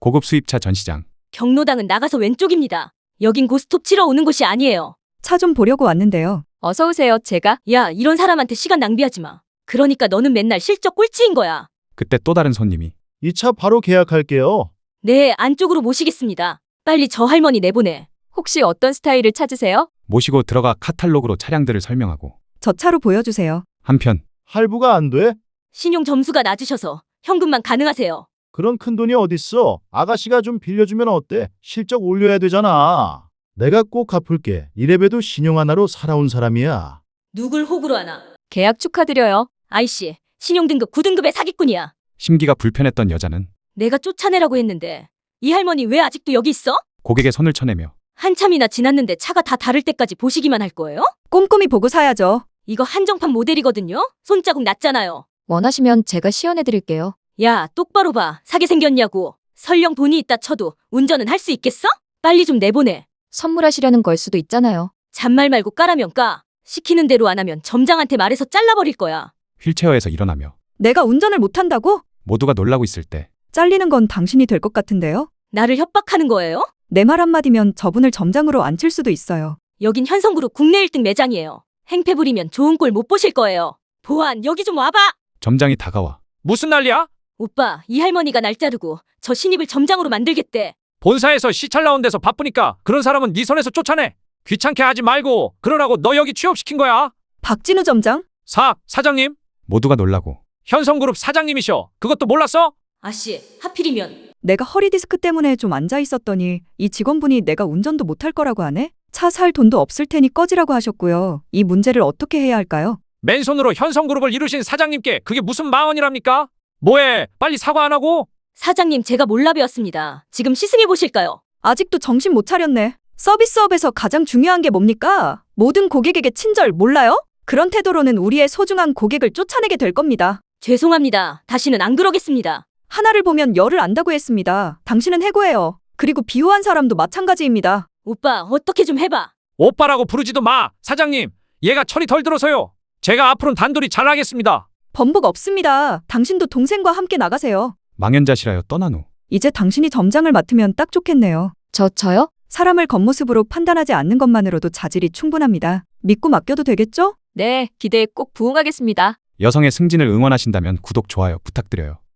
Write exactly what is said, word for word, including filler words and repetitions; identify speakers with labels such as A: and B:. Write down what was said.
A: 고급 수입차 전시장.
B: 경로당은 나가서 왼쪽입니다. 여긴 고스톱 치러 오는 곳이 아니에요.
C: 차 좀 보려고 왔는데요.
B: 어서 오세요, 제가. 야, 이런 사람한테 시간 낭비하지 마. 그러니까 너는 맨날 실적 꼴찌인 거야.
A: 그때 또 다른 손님이.
D: 이 차 바로 계약할게요.
B: 네, 안쪽으로 모시겠습니다. 빨리 저 할머니 내보내.
E: 혹시 어떤 스타일을 찾으세요?
A: 모시고 들어가 카탈로그로 차량들을 설명하고.
C: 저 차로 보여주세요.
A: 한편
D: 할부가 안 돼?
B: 신용 점수가 낮으셔서 현금만 가능하세요.
D: 그런 큰 돈이 어딨어? 아가씨가 좀 빌려주면 어때? 실적 올려야 되잖아. 내가 꼭 갚을게. 이래봬도 신용 하나로 살아온 사람이야.
B: 누굴 호구로 하나?
E: 계약 축하드려요.
B: 아이씨, 신용등급 구 등급의 사기꾼이야.
A: 심기가 불편했던 여자는
B: 내가 쫓아내라고 했는데 이 할머니 왜 아직도 여기 있어?
A: 고객의 손을 쳐내며.
B: 한참이나 지났는데 차가 다 다를 때까지 보시기만 할 거예요?
C: 꼼꼼히 보고 사야죠.
B: 이거 한정판 모델이거든요? 손자국 났잖아요.
E: 원하시면 제가 시연해드릴게요.
B: 야, 똑바로 봐. 사게 생겼냐고. 설령 돈이 있다 쳐도 운전은 할 수 있겠어? 빨리 좀 내보내.
E: 선물하시려는 걸 수도 있잖아요.
B: 잔말 말고 까라면 까. 시키는 대로 안 하면 점장한테 말해서 잘라버릴 거야.
A: 휠체어에서 일어나며.
C: 내가 운전을 못한다고?
A: 모두가 놀라고 있을 때
C: 잘리는 건 당신이 될 것 같은데요?
B: 나를 협박하는 거예요?
C: 내 말 한마디면 저분을 점장으로 앉힐 수도 있어요.
B: 여긴 현성그룹 국내 일 등 매장이에요. 행패 부리면 좋은 꼴 못 보실 거예요. 보안, 여기 좀 와봐.
A: 점장이 다가와.
F: 무슨 난리야?
B: 오빠, 이 할머니가 날 자르고 저 신입을 점장으로 만들겠대.
F: 본사에서 시찰 나온 데서 바쁘니까 그런 사람은 네 손에서 쫓아내. 귀찮게 하지 말고 그러라고 너 여기 취업시킨 거야.
C: 박진우 점장?
F: 사, 사장님?
A: 모두가 놀라고.
F: 현성그룹 사장님이셔. 그것도 몰랐어?
B: 아씨, 하필이면.
C: 내가 허리 디스크 때문에 좀 앉아 있었더니 이 직원분이 내가 운전도 못할 거라고 하네? 차 살 돈도 없을 테니 꺼지라고 하셨고요. 이 문제를 어떻게 해야 할까요?
F: 맨손으로 현성그룹을 이루신 사장님께 그게 무슨 망언이랍니까? 뭐해? 빨리 사과 안 하고?
B: 사장님, 제가 몰라 배웠습니다. 지금 시승해 보실까요?
C: 아직도 정신 못 차렸네. 서비스업에서 가장 중요한 게 뭡니까? 모든 고객에게 친절 몰라요? 그런 태도로는 우리의 소중한 고객을 쫓아내게 될 겁니다.
B: 죄송합니다. 다시는 안 그러겠습니다.
C: 하나를 보면 열을 안다고 했습니다. 당신은 해고해요. 그리고 비호한 사람도 마찬가지입니다.
B: 오빠, 어떻게 좀 해봐.
F: 오빠라고 부르지도 마. 사장님, 얘가 철이 덜 들어서요. 제가 앞으로는 단돌이 잘하겠습니다.
C: 번복 없습니다. 당신도 동생과 함께 나가세요.
A: 망연자실하여 떠난 후.
C: 이제 당신이 점장을 맡으면 딱 좋겠네요.
E: 저, 저요?
C: 사람을 겉모습으로 판단하지 않는 것만으로도 자질이 충분합니다. 믿고 맡겨도 되겠죠?
E: 네, 기대에 꼭 부응하겠습니다.
A: 여성의 승진을 응원하신다면 구독, 좋아요 부탁드려요.